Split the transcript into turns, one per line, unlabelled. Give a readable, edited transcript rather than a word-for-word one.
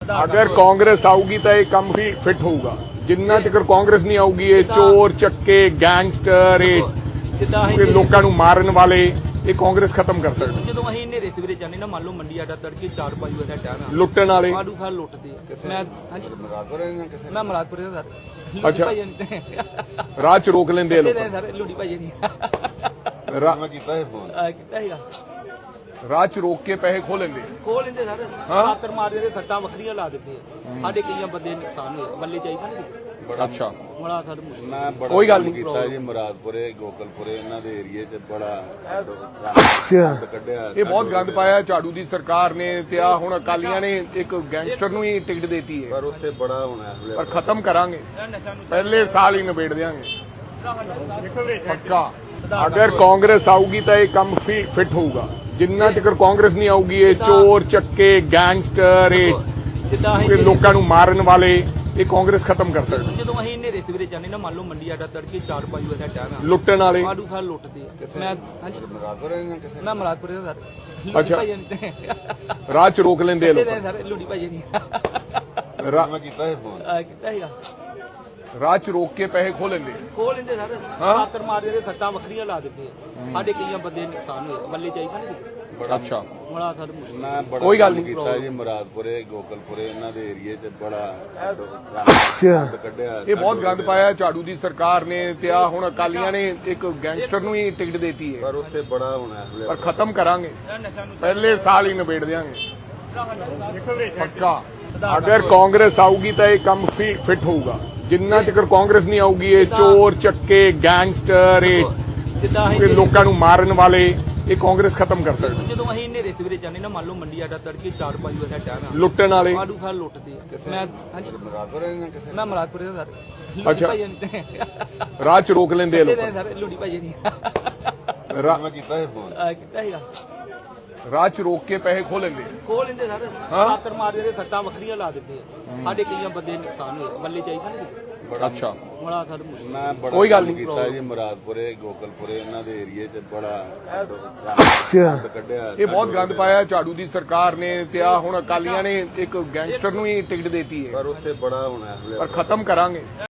अगर कांग्रेस आऊगी तो ये कम भी फिट होगा जिन्ना चक्कर कांग्रेस नहीं आऊगी ये चोर चक्के गैंगस्टर ये लोगों ਨੂੰ ਮਾਰਨ ਵਾਲੇ ਇਹ ਕਾਂਗਰਸ ਖਤਮ ਕਰ ਸਕਦੀ
ਜਦੋਂ ਅਸੀਂ ਹਨੇਰੇ ਸਵੇਰੇ ਜਾਂਦੇ ਨਾ ਮੰਨ ਲਓ ਮੰਡੀ ਆਡਾ ਤੜਕੇ 4-5 ਵਜੇ ਦਾ ਟਾਈਮ ਆ
ਲੁੱਟਣ ਵਾਲੇ
ਆਲੂ ਖਾ ਲੁੱਟਦੇ ਆ। ਮੈਂ ਹਾਂਜੀ ਮੈਂ ਮਰਾਦਪੁਰ ਦਾ ਸਰ
ਅੱਛਾ ਰਾਹ ਚ ਰੋਕ ਲੈਂਦੇ ਆ ਲੋਕ
ਸਰ ਲੁੱਡੀ ਭਾਈ ਨਹੀਂ
ਮੈਂ ਕੀਤਾ ਇਹ ਫੋਨ
ਕੀਤਾ ਹੈਗਾ
ਰਾਹ ਚ ਰੋਕ ਕੇ ਪੈਸੇ ਖੋ ਲੈਂਦੇ
ਸਰ ਆਤਰ ਮਾਰਦੇ ਦੇ ਸੱਟਾਂ ਵੱਖਰੀਆਂ ਲਾ ਦਿੰਦੇ ਆ ਸਾਡੇ ਕਈਆਂ ਬੰਦੇ ਨੁਕਸਾਨ ਹੋਏ ਬੱਲੇ ਚਾਹੀਦਾ ਨਹੀਂ
ਅੱਛਾ
ਬੜਾ ਸਰ
ਮੈਂ ਬੜਾ
ਕੋਈ ਗੱਲ ਨਹੀਂ
ਕੀਤਾ ਜੀ ਮੁਰਾਦਪੁਰੇ ਗੋਕਲਪੁਰੇ ਇਹਨਾਂ ਦੇ ਏਰੀਏ 'ਚ ਬੜਾ ਕੱਢਿਆ
ਇਹ ਬਹੁਤ ਗੰਦ ਪਾਇਆ ਝਾੜੂ ਦੀ ਸਰਕਾਰ ਨੇ ਤੇ ਆ ਹੁਣ ਅਕਾਲੀਆਂ ਨੇ ਇੱਕ ਗੈਂਗਸਟਰ ਨੂੰ ਹੀ ਟਿਕਟ ਦੇਤੀ ਹੈ
ਪਰ ਉੱਥੇ ਬੜਾ ਹੋਣਾ ਹੈ
ਪਰ ਖਤਮ ਕਰਾਂਗੇ ਪਹਿਲੇ ਸਾਲ ਹੀ ਨਿਬੇੜ ਦਿਆਂਗੇ ਪੱਕਾ ਅਗਰ ਕਾਂਗਰਸ ਆਊਗੀ ਤਾਂ ਇਹ ਕੰਮ ਫਿਟ ਹੋਊਗਾ ਜਿੰਨਾ ਚਿਰ ਕਾਂਗਰਸ ਨਹੀਂ ਆਊਗੀ ਇਹ ਚੋਰ ਚੱਕੇ ਗੈਂਗਸਟਰ ਇਹ ਲੋਕਾਂ ਨੂੰ ਮਾਰਨ ਵਾਲੇ ਇਹ ਕਾਂਗਰਸ ਖਤਮ ਕਰ ਸਕਦੀ
ਜਦੋਂ ਅਸੀਂ ਹਨੇਰੇ ਸਵੇਰੇ ਜਾਂਦੇ ਨਾ ਮੰਨ ਲਓ ਮੰਡੀ ਆਡਾ ਤੜਕੇ 4-5 ਵਜੇ ਦਾ ਟਾਈਮ ਆ
ਲੁੱਟਣ ਵਾਲੇ
ਆਲੂ ਖਾ ਲੁੱਟਦੇ ਆ। ਮੈਂ ਹਾਂਜੀ ਮੈਂ ਮਰਾਦਪੁਰ ਦਾ ਸਰ
ਅੱਛਾ ਰਾਹ ਚ ਰੋਕ ਲੈਂਦੇ ਆ ਲੋਕ
ਸਰ ਲੁੱਡੀ ਭਾਈ ਨਹੀਂ
ਮੈਂ ਕੀਤਾ ਇਹ ਫੋਨ
ਕੀਤਾ ਹੈਗਾ
ਰਾਹ ਚ ਰੋਕ ਕੇ ਪੈਸੇ ਖੋ ਲੈਂਦੇ
ਸਰ ਆਤਰ ਮਾਰਦੇ ਦੇ ਸੱਟਾਂ ਵੱਖਰੀਆਂ ਲਾ ਦਿੰਦੇ ਆ ਸਾਡੇ ਕਈਆਂ ਬੰਦੇ ਨੁਕਸਾਨ ਹੋਏ ਬੱਲੇ ਚਾਹੀਦਾ ਨਹੀਂ
ਅੱਛਾ
ਬੜਾ ਸਰ
ਮੈਂ ਬੜਾ
ਕੋਈ ਗੱਲ ਨਹੀਂ
ਕੀਤਾ ਜੀ ਮੁਰਾਦਪੁਰੇ ਗੋਕਲਪੁਰੇ ਇਹਨਾਂ ਦੇ ਏਰੀਏ 'ਚ ਬੜਾ ਕੱਢਿਆ
ਇਹ ਬਹੁਤ ਗੰਦ ਪਾਇਆ ਝਾੜੂ ਦੀ ਸਰਕਾਰ ਨੇ ਤੇ ਆ ਹੁਣ ਅਕਾਲੀਆਂ ਨੇ ਇੱਕ ਗੈਂਗਸਟਰ ਨੂੰ ਹੀ ਟਿਕਟ ਦੇਤੀ ਹੈ
ਪਰ ਉੱਥੇ ਬੜਾ ਹੋਣਾ ਹੈ
ਪਰ ਖਤਮ ਕਰਾਂਗੇ ਪਹਿਲੇ ਸਾਲ ਹੀ ਨਿਬੇੜ ਦਿਆਂਗੇ ਪੱਕਾ ਅਗਰ ਕਾਂਗਰਸ ਆਊਗੀ ਤਾਂ ਇਹ ਕੰਮ ਫਿਟ ਹੋਊਗਾ ਜਿੰਨਾ ਚਿਰ ਕਾਂਗਰਸ ਨਹੀਂ ਆਊਗੀ ਇਹ ਚੋਰ ਚੱਕੇ ਗੈਂਗਸਟਰ ਇਹ ਲੋਕਾਂ ਨੂੰ ਮਾਰਨ ਵਾਲੇ ਇਹ ਕਾਂਗਰਸ ਖਤਮ ਕਰ ਸਕਦੀ
ਜਦੋਂ ਅਸੀਂ ਹਨੇਰੇ ਸਵੇਰੇ ਜਾਂਦੇ ਨਾ ਮੰਨ ਲਓ ਮੰਡੀ ਆਡਾ ਤੜਕੇ 4-5 ਵਜੇ ਦਾ ਟਾਈਮ ਆ
ਲੁੱਟਣ ਵਾਲੇ
ਆਲੂ ਖਾ ਲੁੱਟਦੇ ਆ। ਮੈਂ ਹਾਂਜੀ ਮੈਂ ਮਰਾਦਪੁਰ ਦਾ ਸਰ
ਅੱਛਾ ਰਾਹ ਚ ਰੋਕ ਲੈਂਦੇ ਆ ਲੋਕ
ਸਰ ਲੁੱਡੀ ਭਾਈ ਨਹੀਂ
ਮੈਂ ਕੀਤਾ ਇਹ ਫੋਨ
ਕੀਤਾ ਹੈਗਾ
ਰਾਹ ਚ ਰੋਕ ਕੇ ਪੈਸੇ ਖੋ ਲੈਂਦੇ
ਸਰ ਆਤਰ ਮਾਰਦੇ ਦੇ ਸੱਟਾਂ ਵੱਖਰੀਆਂ ਲਾ ਦਿੰਦੇ ਆ ਸਾਡੇ ਕਈਆਂ ਬੰਦੇ ਨੁਕਸਾਨ ਹੋਏ ਬੱਲੇ ਚਾਹੀਦਾ ਨਹੀਂ
ਅੱਛਾ
ਬੜਾ ਸਰ
ਮੈਂ ਬੜਾ
ਕੋਈ ਗੱਲ ਨਹੀਂ
ਕੀਤਾ ਜੀ ਮੁਰਾਦਪੁਰੇ ਗੋਕਲਪੁਰੇ ਇਹਨਾਂ ਦੇ ਏਰੀਏ 'ਚ ਬੜਾ ਕੱਢਿਆ
ਇਹ ਬਹੁਤ ਗੰਦ ਪਾਇਆ ਝਾੜੂ ਦੀ ਸਰਕਾਰ ਨੇ ਤੇ ਆ ਹੁਣ ਅਕਾਲੀਆਂ ਨੇ ਇੱਕ ਗੈਂਗਸਟਰ ਨੂੰ ਹੀ ਟਿਕਟ ਦੇਤੀ ਹੈ
ਪਰ ਉੱਥੇ ਬੜਾ ਹੋਣਾ ਹੈ
ਪਰ ਖਤਮ ਕਰਾਂਗੇ